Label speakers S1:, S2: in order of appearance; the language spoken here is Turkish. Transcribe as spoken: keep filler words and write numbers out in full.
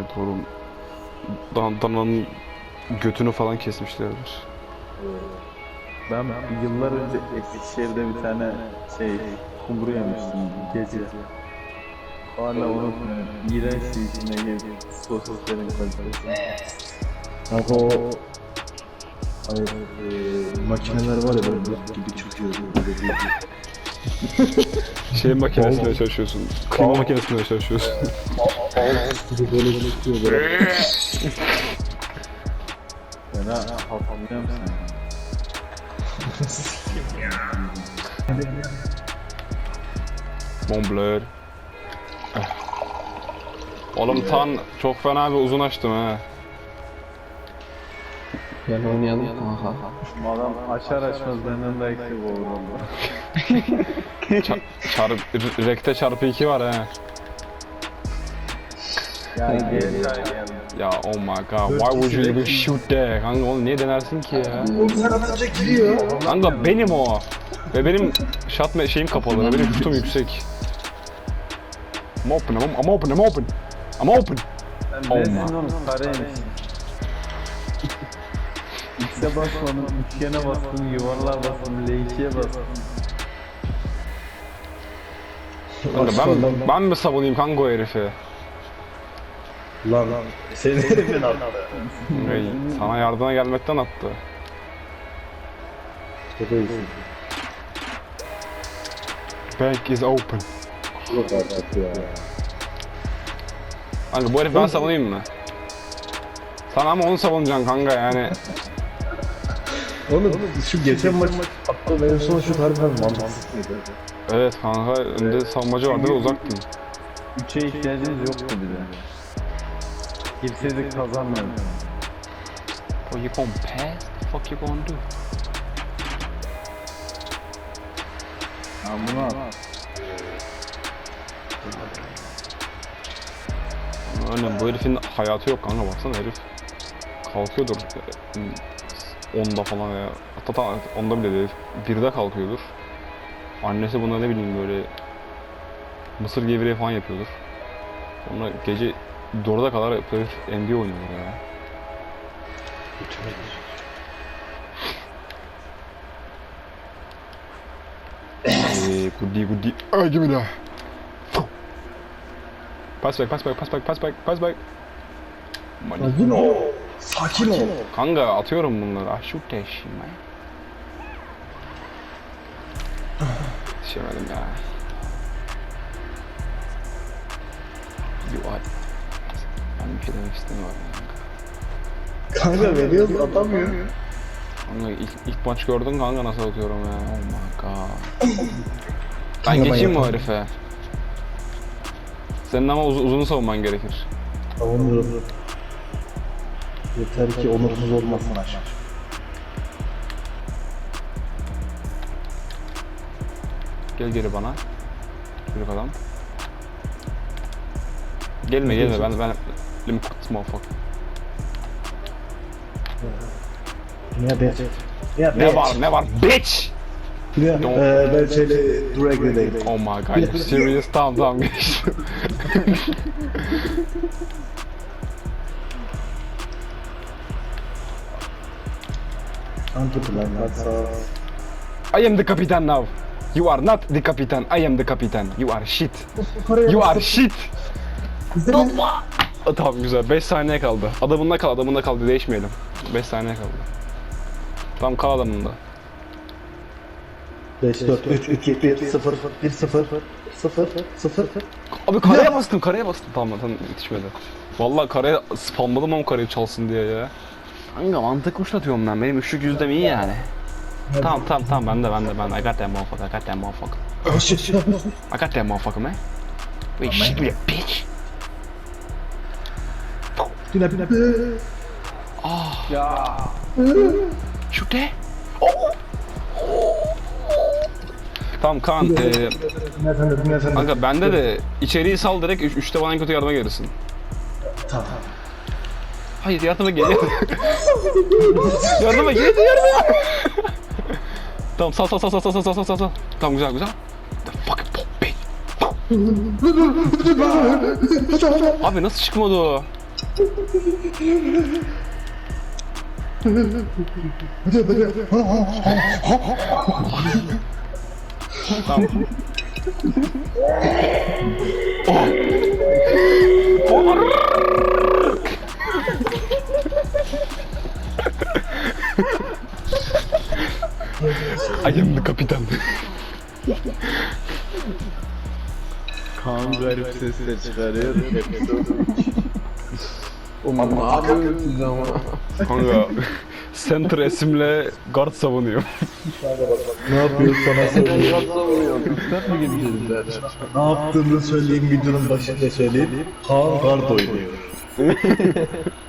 S1: Doğru. Dan dananın götünü falan kesmişlerdir.
S2: Ben yıllar önce Eskişehir'de bir tane şey kumru yemiştim gece. Hala unutmuyorum. İğrenç içine girdi. Sosislerin kalitesi.
S3: Kanka o hani, e, makineler var ya böyle buz gibi çıkıyor böyle değil.
S1: Şey makinesinde çalışıyorsun. Kıyma makinesinde çalışıyorsun.
S3: Gibi böyle çıkıyor böyle.
S2: Fena hafifliyor musun?
S1: Montblanc. Oğlum tan çok fena bir uzun açtım ha.
S4: Gel oynayalım kanka.
S2: Adam açar açmaz benden de eksik olur valla.
S1: Çar çarp rekte çarpı iki var ha.
S2: Yani geri geldi.
S1: Ya oh my god, why would you even shoot there? Kanka onu niye denersin ki ya?
S3: Her atınca giriyor.
S1: Kanka benim o. Ve benim shot şeyim kapalı ve benim şutum yüksek. I'm open, I'm, I'm open, I'm open. I'm open.
S2: Sen
S1: Oh
S2: nesin
S1: my.
S2: oğlum kareymiş. X'e basmadın, üçgene bastın, yuvarlığa bastın, L ikiye bastın.
S1: Kanka ben, ben mi savunayım kanka o herifi?
S3: Lan lan. Senin herifin attı.
S1: Ey, sana yardıma gelmekten attı.
S3: Çok iyisin.
S1: Bank is open.
S3: Yok artık ya.
S1: Kanka bu herifi ben savunayım mı? Sen ama onu savunacaksın kanka yani.
S3: Oğlum şu geçen maç attığım en son şut harbiden mantıksız mıydı?
S1: Evet kanka önde savunmacı vardı ve uzaktın.
S2: Üçe ihtiyacımız yoktu bize. Girseydik kazanmıyorduk.
S1: Bro, you gonna pass? The fuck you gonna do?
S2: Ha bunu al.
S1: Aynen bu herifin hayatı yok kanka, baksana herif kalkıyordur onda falan veya hatta onda bile değil, birde kalkıyordur. Annesi buna ne bileyim böyle mısır gevreği falan yapıyordur. Sonra gece dörde kadar herif N B A oynuyorlar ya. Eee goodie goodie. Ay gibi de. Pass back, pass back, pass back, pass back, pass back.
S3: Sakin ol. Sakin ol.
S1: Kanka atıyorum bunları. Ah shoot that shit man. Yetişemedim ya. You are... Ben bir şey demek istemiyorum kanka.
S3: Kanka veriyoruz atamıyor.
S1: Kanka ilk, ilk maç gördün kanka nasıl atıyorum ya. Oh my god. Ben geçeyim mi o herife? Senin ama uz uzun savunman gerekir.
S3: Savunuyorum. Yeter ki onursuz olmasın aşağı.
S1: Gel geri bana. Çocuk adam. Gelme gelme ben ben let me cook this motherfucker.
S3: Ne be? Ya
S1: Ne var ne var bitch?
S3: Ya eee ben şöyle Drag'deyim.
S1: Oh my god, you serious? Tamam tamam geçtim.
S3: Hangi plan varsa
S1: I am the captain now. You are not the captain. I am the captain. You are shit. You are shit. Dolma. Tamam güzel. beş saniye kaldı. Adamında kal, adamında kal. Değişmeyelim. beş saniye kaldı. Tamam kal adamında.
S3: beş dört üç iki bir sıfır bir sıfır sıfır sıfır.
S1: Abi kareye bastım, kareye bastım. Tamam tamam yetişmedi. Vallahi kareye spamladım ama kareyi çalsın diye ya. Kanka mantık uçlatıyorum ben. Benim üçlük yüzdem iyi yani. Tamam tamam tamam ben de ben de ben de. I got that motherfucker, I got that motherfucker. I got that motherfucker man. Wait shit me a bitch.
S3: Yine bir
S1: Ah.
S2: Ya.
S1: Shoot that. Oh. Tamam Kaan, eee kanka bende de içeriği sal direkt üç, üçte bana en kötü yardıma gelirsin.
S3: Tamam.
S1: Hayır yardıma gel. yardıma gel yardıma. Tamam sal sal sal sal sal sal sal sal sal. Tamam güzel güzel. The fucking pop bitch. Abi nasıl çıkmadı o? Tamam. I am the kapitan.
S2: Kaan garip sesler çıkarıyor.
S4: Oğlum ne yapıyorsunuz siz ama?
S1: Kanka center esimle guard savunuyor.
S3: Ne yapıyor sana söyleyeyim.
S4: Kırsat mı gideceğiz zaten?
S3: Ne yaptığını söyleyeyim, videonun başında söyleyeyim. Kaan kart oynuyor.